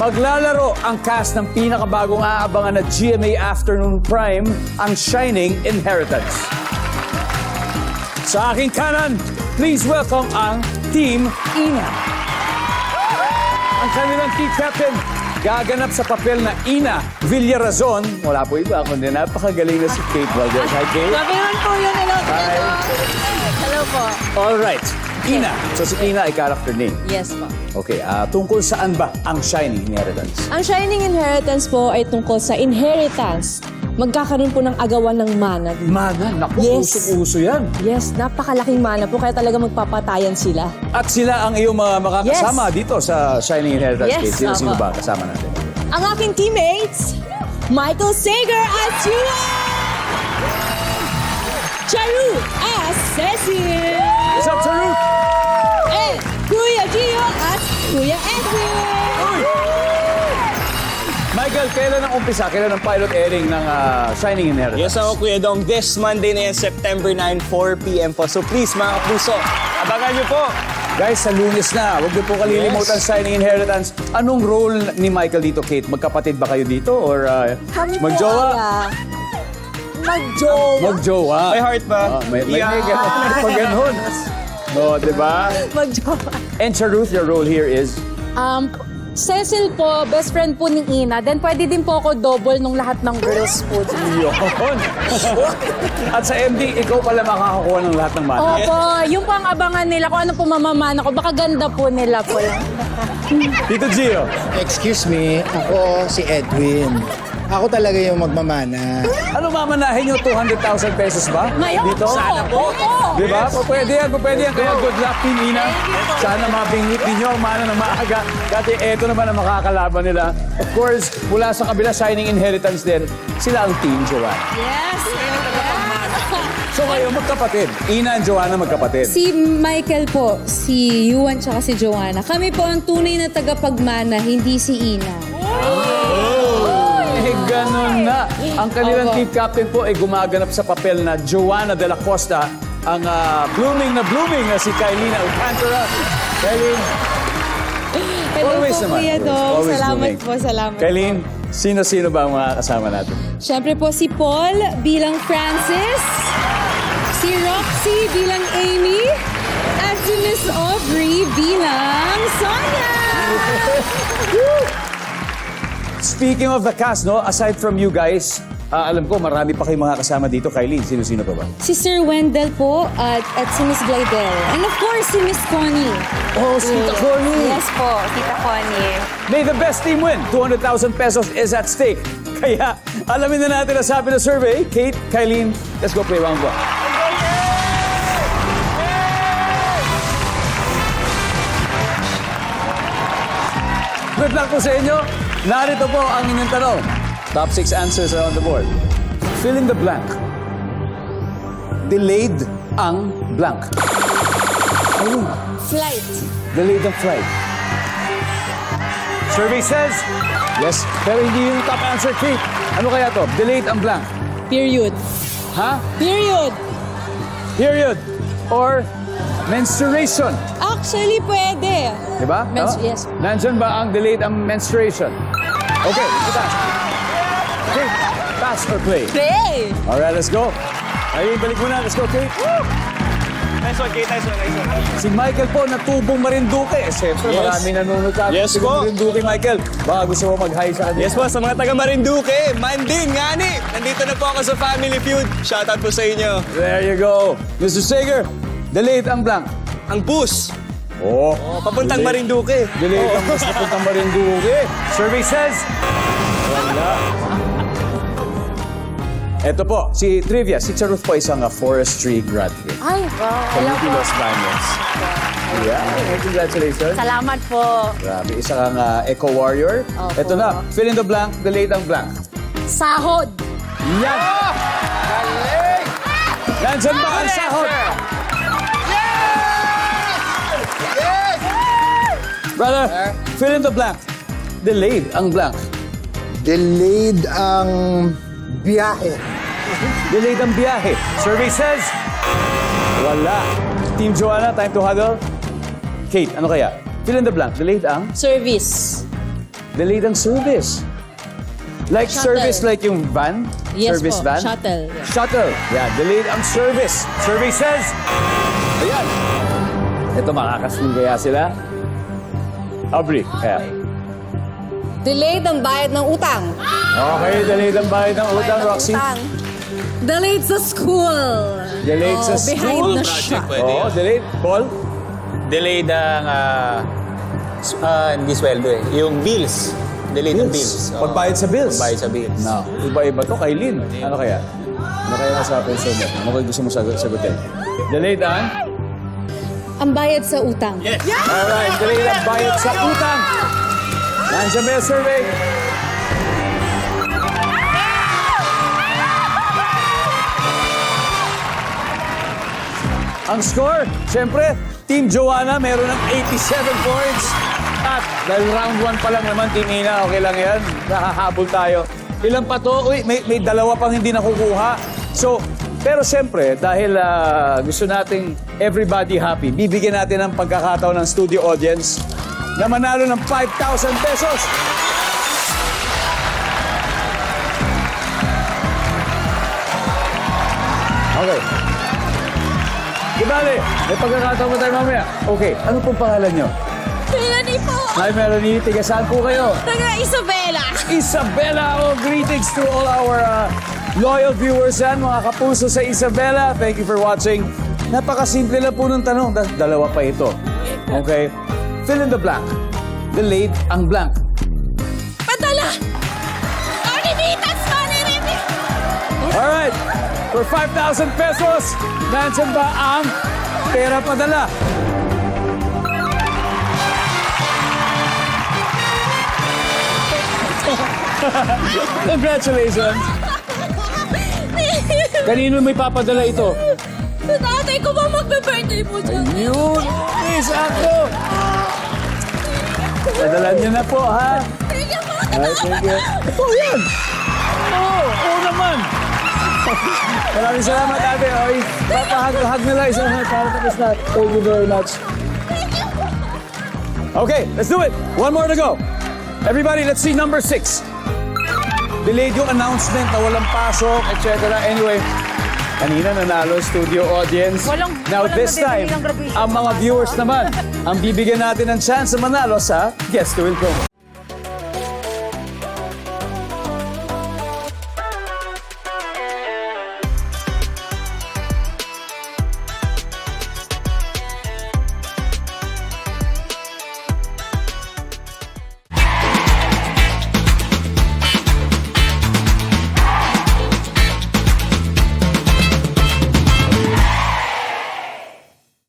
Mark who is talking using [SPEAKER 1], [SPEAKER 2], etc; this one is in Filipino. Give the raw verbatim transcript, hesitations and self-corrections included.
[SPEAKER 1] Maglalaro ang cast ng pinakabagong aabangan na G M A Afternoon Prime, ang Shining Inheritance. Sa aking kanan, please welcome ang Team Ina. Ang kanilang team captain, gaganap sa papel na Ina Villarazon. Wala po iba, kundi napakagaling na si Kate Valdez. Hi, Kate.
[SPEAKER 2] Sabi naman po yun. Hello.
[SPEAKER 1] Hi.
[SPEAKER 2] Hello po.
[SPEAKER 1] All right. Ina. So si Ina ay character name.
[SPEAKER 2] Yes po.
[SPEAKER 1] Okay, ah, tungkol saan ba ang Shining Inheritance?
[SPEAKER 2] Ang Shining Inheritance po ay tungkol sa inheritance. Magkakaroon po ng agawan ng mana.
[SPEAKER 1] Mana, naku,
[SPEAKER 2] Yes.
[SPEAKER 1] usong-uso yan.
[SPEAKER 2] Yes, napakalaking mana po kaya talaga magpapatayan sila.
[SPEAKER 1] At sila ang iyong mga makakasama dito sa Shining Inheritance.
[SPEAKER 2] Yes,
[SPEAKER 1] Kate. Sino-sino
[SPEAKER 2] opo.
[SPEAKER 1] ba kasama natin?
[SPEAKER 2] Ang aking teammates, Michael Sager as Chua! Charu as Cecil!
[SPEAKER 1] What's up, Charu?
[SPEAKER 2] And Kuya Gio as Kuya Edwin!
[SPEAKER 1] Michael, kailan ang umpisa? Kailan ang pilot airing ng ah, Shining Inheritance?
[SPEAKER 3] Yes ako, Kuya Dong. This Monday na yan, September ninth, four p m po. So please, mga kapuso, abangan niyo po.
[SPEAKER 1] Guys, sa Lunes na, huwag niyo po kalilimutan
[SPEAKER 3] Yes.
[SPEAKER 1] Shining Inheritance. Anong role ni Michael dito, Kate? Magkapatid ba kayo dito? Or uh,
[SPEAKER 2] Kami po
[SPEAKER 1] magjowa?
[SPEAKER 2] ala. Magjowa?
[SPEAKER 1] Magjowa.
[SPEAKER 3] May heart ba?
[SPEAKER 1] Ah, may, may,
[SPEAKER 3] Yeah.
[SPEAKER 1] may ganun. Pag ganun. No, di ba?
[SPEAKER 2] Magjowa.
[SPEAKER 1] And Charuth, your role here is?
[SPEAKER 4] Um, Cecil po, best friend po ni Ina. Then pwede din po ako double nung lahat ng girls po.
[SPEAKER 1] Yun. At sa M D, ikaw pala makakakuha ng lahat ng mana.
[SPEAKER 4] Opo, yung pang abangan nila kung ano po mamamana ko. Baka ganda po nila po lang.
[SPEAKER 1] Tito Gio.
[SPEAKER 5] Excuse me, ako si Edwin. Ako talaga yung magmamana.
[SPEAKER 1] Ano mamanahin nyo? two hundred thousand pesos ba?
[SPEAKER 4] Ngayon
[SPEAKER 1] Dito?
[SPEAKER 4] po. Sana po. Opo.
[SPEAKER 1] Di ba? Po, pwede yan, po, pwede yan. Kaya good luck, Team Ina. Sana mabingwit ninyo ang mana ng maaga. Dati eto naman ang makakalaban nila. Of course, mula sa kabila, Shining Inheritance din, sila ang Team Joanna.
[SPEAKER 4] Yes.
[SPEAKER 1] So kayo, magkapatid. Ina and Joanna magkapatid.
[SPEAKER 6] Si Michael po, si Yuan tsaka si Joanna. Kami po ang tunay na tagapagmana, hindi si Ina.
[SPEAKER 1] Eh, ganun na. Ang kanilang
[SPEAKER 6] Opo.
[SPEAKER 1] team captain po ay gumaganap sa papel na Joanna de la Costa, ang ah, blooming na blooming na si Kailina Alcantara. Kailin,
[SPEAKER 6] Hello
[SPEAKER 1] Always
[SPEAKER 6] po,
[SPEAKER 1] naman,
[SPEAKER 6] Kuya
[SPEAKER 1] always.
[SPEAKER 6] Dong.
[SPEAKER 1] Always
[SPEAKER 6] Salamat
[SPEAKER 1] blooming.
[SPEAKER 6] po, salamat.
[SPEAKER 1] Kailin, sino-sino ba ang mga kasama natin?
[SPEAKER 6] Siyempre po si Paul bilang Francis, si Roxy bilang Amy, at si Miss Aubrey bilang Sonia.
[SPEAKER 1] Speaking of the cast, no, aside from you guys, ah, alam ko marami pa kayong mga kasama dito. Kailin, sino-sino pa ba?
[SPEAKER 6] Si Sir Wendell po at, at si Miss Glidel. And of course, si Miss Connie.
[SPEAKER 1] Oh, si Tita Connie.
[SPEAKER 2] Yes po, Tita Connie.
[SPEAKER 1] May the best team win. two hundred thousand pesos is at stake. Kaya, alamin na natin ang sabi ng survey. Kate, Kailin, let's go play round one. Good luck po sa inyo. Narito po ang inyong tanong. Top six answers are on the board. Fill in the blank. Delayed ang blank. Ayun.
[SPEAKER 6] Flight.
[SPEAKER 1] Delayed ang flight. Survey says, yes, pero hindi yung top answer, Kate. Ano kaya to? Delayed ang blank.
[SPEAKER 6] Period.
[SPEAKER 1] Ha?
[SPEAKER 6] Period.
[SPEAKER 1] Period. Or menstruation.
[SPEAKER 6] Actually, pwede.
[SPEAKER 1] Diba?
[SPEAKER 6] Mens-
[SPEAKER 1] Tama?
[SPEAKER 6] yes.
[SPEAKER 1] Nandyan ba ang delayed ang menstruation? Okay, kita. Okay, pass or play?
[SPEAKER 2] Play!
[SPEAKER 1] Alright, let's go. Ayun, balik muna. Let's go, Kate.
[SPEAKER 3] Nice one, Kate. Nice one, nice one.
[SPEAKER 1] Si Michael po, natubong Marinduque. Eh, siyempre,
[SPEAKER 3] Yes.
[SPEAKER 1] marami nanonood sa atin.
[SPEAKER 3] Yes
[SPEAKER 1] Sige,
[SPEAKER 3] po.
[SPEAKER 1] Marinduque, Michael. Baka gusto mo mag-hi sa kanya.
[SPEAKER 3] Yes po, sa mga taga Marinduque, Mandin, Ngani. Nandito na po ako sa Family Feud. Shoutout po sa inyo.
[SPEAKER 1] There you go. Mister Sager, delayed ang blank.
[SPEAKER 3] Ang bus.
[SPEAKER 1] Oh,
[SPEAKER 3] Oh, papuntang Marinduque.
[SPEAKER 1] Delayed ang bus papuntang Marinduque. Survey says, wala. Ito po, si Trivia, si Charuth po isang uh, forestry graduate.
[SPEAKER 4] Ay, wow. Hello
[SPEAKER 1] Community
[SPEAKER 4] po.
[SPEAKER 1] Los Baños. Yeah, congratulations.
[SPEAKER 4] Salamat po.
[SPEAKER 1] Grabe, isa kang uh, eco-warrior.
[SPEAKER 4] Opo.
[SPEAKER 1] Ito na, fill in the blank, delayed ang blank.
[SPEAKER 4] Sahod.
[SPEAKER 1] Yan! Galing! Nandyan ba ang sahod? Brother, fill in the blank. Delayed ang blank.
[SPEAKER 5] Delayed ang biyahe.
[SPEAKER 1] Delayed ang biyahe. Survey says, wala. Team Joanna, time to huddle. Kate, ano kaya? Fill in the blank. Delayed ang
[SPEAKER 6] Service.
[SPEAKER 1] delayed ang service. Like
[SPEAKER 2] Shuttle.
[SPEAKER 1] service like yung van?
[SPEAKER 2] Yes
[SPEAKER 1] service
[SPEAKER 2] po,
[SPEAKER 1] van?
[SPEAKER 2] shuttle. Yeah.
[SPEAKER 1] Shuttle. Yeah, delayed ang service. Survey says, ayan. Ito, makakasin kaya sila? Aubrey, kaya.
[SPEAKER 6] Delayed ang bayad ng utang.
[SPEAKER 1] Okay, delayed ang bayad ng utang, Roxy.
[SPEAKER 6] Delayed sa school.
[SPEAKER 1] Delayed sa
[SPEAKER 6] Oh, behind
[SPEAKER 1] school.
[SPEAKER 6] na siya.
[SPEAKER 1] Oo, delayed. Paul?
[SPEAKER 3] Delayed ang, ah, s- ah, hindi sweldo eh. Yung bills. Delayed ang bills. Oo.
[SPEAKER 1] Pagbayad sa bills.
[SPEAKER 3] Pagbayad sa bills.
[SPEAKER 1] No, iba-iba to kay Lynn. Ano kaya? Ano kaya nasa peso mo? Ano kaya gusto mo sagot sagutin? Delayed ang?
[SPEAKER 6] Ang bayad sa utang.
[SPEAKER 1] Alright, delayed ang bayad sa utang. Nandiyan ba yung survey? Ang score, siyempre, Team Joanna meron ng eighty-seven points. At dahil round one pa lang naman, Team Ina, okay lang yan. Nakahabol tayo. Ilan pa to? Uy, may, may dalawa pang hindi nakukuha. So, pero siyempre, dahil ah, gusto nating everybody happy, bibigyan natin ng pagkakataon ng studio audience na manalo ng five thousand pesos. Okay. Di bale, may pagkakataon mo tayo mamaya. Okay, ano pong pangalan nyo?
[SPEAKER 2] Melanie po!
[SPEAKER 1] Hi, Melanie. Tiga saan po kayo?
[SPEAKER 2] Taga Isabela!
[SPEAKER 1] Isabela. Oh, greetings to all our uh, loyal viewers yan, mga kapuso sa Isabela. Thank you for watching. Napakasimple lang po ng tanong. Da- dalawa pa ito. Okay? Fill in the blank. Delayed ang blank.
[SPEAKER 2] Padala! Manimitas! Manimitas!
[SPEAKER 1] Alright. For five thousand pesos, nandiyan ba ang pera padala? Congratulations! Kanino may papadala ito?
[SPEAKER 2] Sa tatay ko ba magbe-birthday po dyan?
[SPEAKER 1] Yun! Miss ako! Padalan niyo na po, ha?
[SPEAKER 2] Thank you po!
[SPEAKER 1] Ay, thank you. Ito yan! Oo, oo naman! Maraming salamat, ate. Oy, papahag-hag na lang isang hag para tapos na. Thank you very much. Okay, let's do it. One more to go. Everybody, let's see number six. Delayed yung announcement na walang pasok, et cetera. Anyway, kanina nanalo studio audience.
[SPEAKER 4] Walang-
[SPEAKER 1] Now
[SPEAKER 4] walang
[SPEAKER 1] this time,
[SPEAKER 4] nadedelay ng graduation
[SPEAKER 1] ang mga viewers naman, ang bibigyan natin ng chance na manalo sa Guess to Win promo.